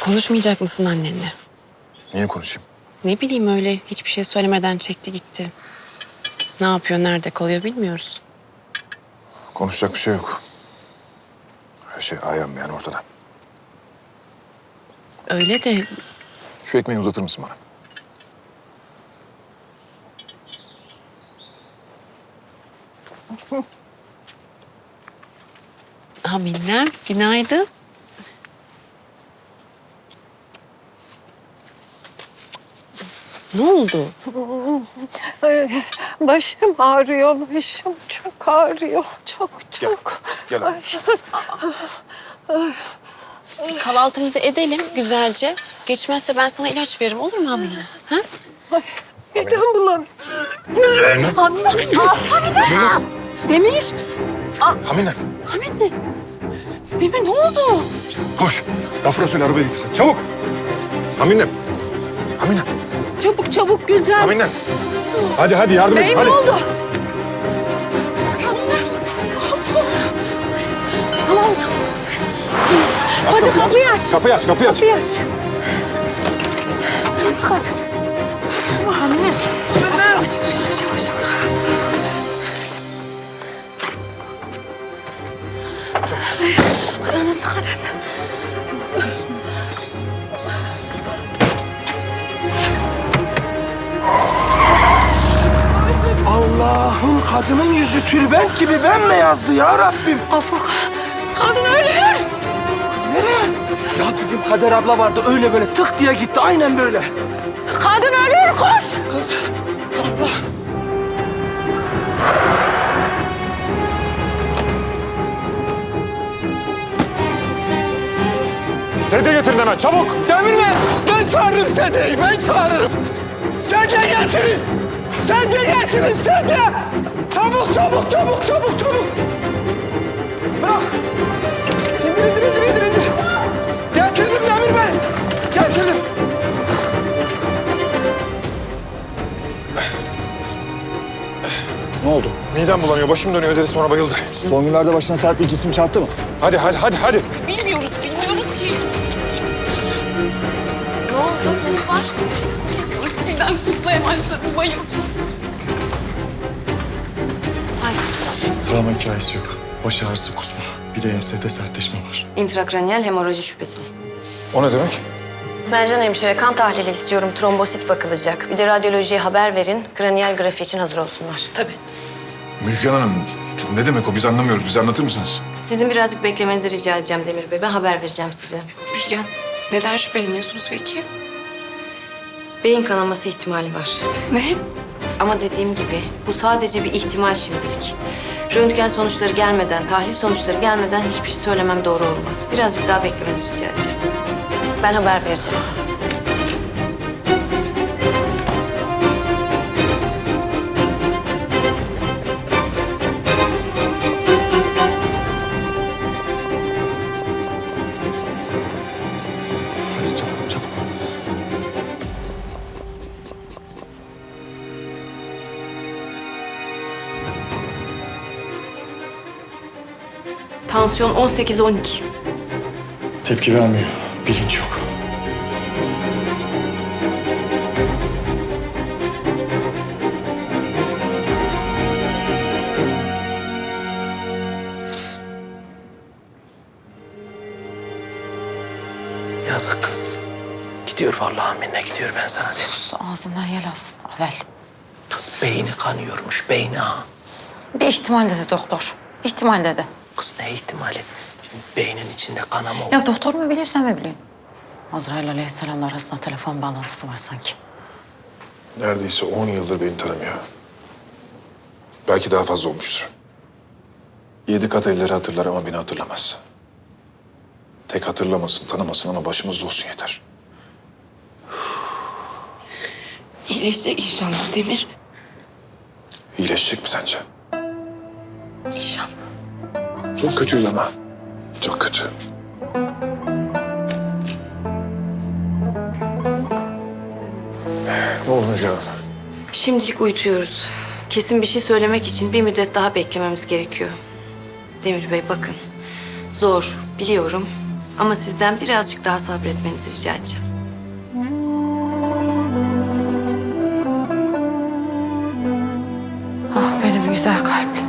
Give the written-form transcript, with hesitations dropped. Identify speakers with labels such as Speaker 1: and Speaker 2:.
Speaker 1: Konuşmayacak mısın annenle?
Speaker 2: Niye konuşayım?
Speaker 1: Ne bileyim öyle hiçbir şey söylemeden çekti gitti. Ne yapıyor, nerede kalıyor bilmiyoruz.
Speaker 2: Konuşacak bir şey yok. Her şey ayağım yani ortada.
Speaker 1: Öyle de
Speaker 2: Şu ekmeği uzatır mısın bana?
Speaker 1: Minnem günaydın. Ne oldu?
Speaker 3: Başım ağrıyor, başım çok ağrıyor. Çok.
Speaker 2: Gel abi.
Speaker 1: Bir kahvaltımızı edelim güzelce. Geçmezse ben sana ilaç veririm olur mu Amine? Ha?
Speaker 3: Midem bulanıyor.
Speaker 1: Demir.
Speaker 2: Hamine,
Speaker 1: Hamine. Demir ne oldu?
Speaker 2: koş. Gafur'a söyle arabaya getirsin. Çabuk. Hamine. Hamine.
Speaker 1: Çabuk Gülcan.
Speaker 2: Hamine. Hadi yardım et.
Speaker 1: Beyim
Speaker 2: Hadi.
Speaker 1: ne oldu? Tamam. Hadi kapıyı aç.
Speaker 2: Kapıyı aç.
Speaker 1: Kapıyı aç. Dikkat et. Hamile. Aç yavaş. Ayağına dikkat et.
Speaker 4: Allah'ım kadının yüzü tülbent gibi bembeyazdı ya Rabbim.
Speaker 1: Gafur, kadın ölüyor.
Speaker 4: Kız nereye? Ya bizim Kader abla vardı öyle böyle tık diye gitti aynen böyle.
Speaker 1: Kadın ölüyor, koş.
Speaker 4: Kız Allah.
Speaker 2: Sedye getirin hemen çabuk.
Speaker 4: Demirmen ben çağırırım Sedye'yi ben çağırırım. Sedye getirin. Sedye getirin sedye. Çabuk. Bırak. İndir. Getirdim Demir Bey. Getirdim.
Speaker 5: Ne oldu?
Speaker 2: Midem bulanıyor, başım dönüyor dedi sonra bayıldı.
Speaker 5: Son günlerde başına sert bir cisim çarptı mı?
Speaker 2: Hadi.
Speaker 1: Bilmiyoruz ki. Ne oldu? Ses var. Birden kusmaya başladı, bayıldı.
Speaker 5: Travma hikayesi yok. Baş ağrısı, kusma. Bir de ensede sertleşme var.
Speaker 6: İntrakraniyal hemoroji şüphesi.
Speaker 2: O ne demek?
Speaker 6: Mercan hemşire kan tahlili istiyorum. Trombosit bakılacak. Bir de radyolojiye haber verin. Kraniyal grafi için hazır olsunlar.
Speaker 1: Tabii.
Speaker 2: Müjgan Hanım, ne demek o? Biz anlamıyoruz. Bize anlatır mısınız?
Speaker 6: Sizin birazcık beklemenizi rica edeceğim Demir Bey. Ben haber vereceğim size.
Speaker 1: Müjgan, neden şüpheleniyorsunuz peki?
Speaker 6: Beyin kanaması ihtimali var.
Speaker 1: Ne?
Speaker 6: Ama dediğim gibi bu sadece bir ihtimal şimdilik. Röntgen sonuçları gelmeden, tahlil sonuçları gelmeden hiçbir şey söylemem doğru olmaz. Birazcık daha beklemenizi rica edeceğim. Ben haber vereceğim.
Speaker 5: Hadi çabuk.
Speaker 6: Tansiyon 18-12.
Speaker 5: Tepki vermiyor. Bilinç yok.
Speaker 4: Yazık kız. Gidiyor vallahi minne gidiyor ben sana diyeyim.
Speaker 7: Sus, ağzından yel alsın. Avel.
Speaker 4: Kız beyni kanıyormuş beyni ha.
Speaker 7: Bir ihtimal dedi doktor. İhtimal dedi.
Speaker 4: Kız ne ihtimali? Şimdi beynin içinde kanama olur.
Speaker 7: Ya doktor mu biliyor, sen mi biliyorsun? Azrail Aleyhisselam'la arasında telefon bağlantısı var sanki.
Speaker 2: Neredeyse 10 yıldır beni tanımıyor. Belki daha fazla olmuştur. 7 kat elleri hatırlar ama beni hatırlamaz. Tek hatırlamasın, tanımasın ama başımızda olsun yeter.
Speaker 1: İyileşecek inşallah Demir.
Speaker 2: İyileşecek mi sence?
Speaker 1: İnşallah.
Speaker 2: Çok kötüyüm ama. Çok kötü. Ne oldu Müjgan Hanım?
Speaker 6: Şimdilik uyutuyoruz. Kesin bir şey söylemek için bir müddet daha beklememiz gerekiyor. Demir Bey bakın. Zor biliyorum Ama sizden birazcık daha sabretmenizi rica edeceğim.
Speaker 7: Ah benim güzel kalplim.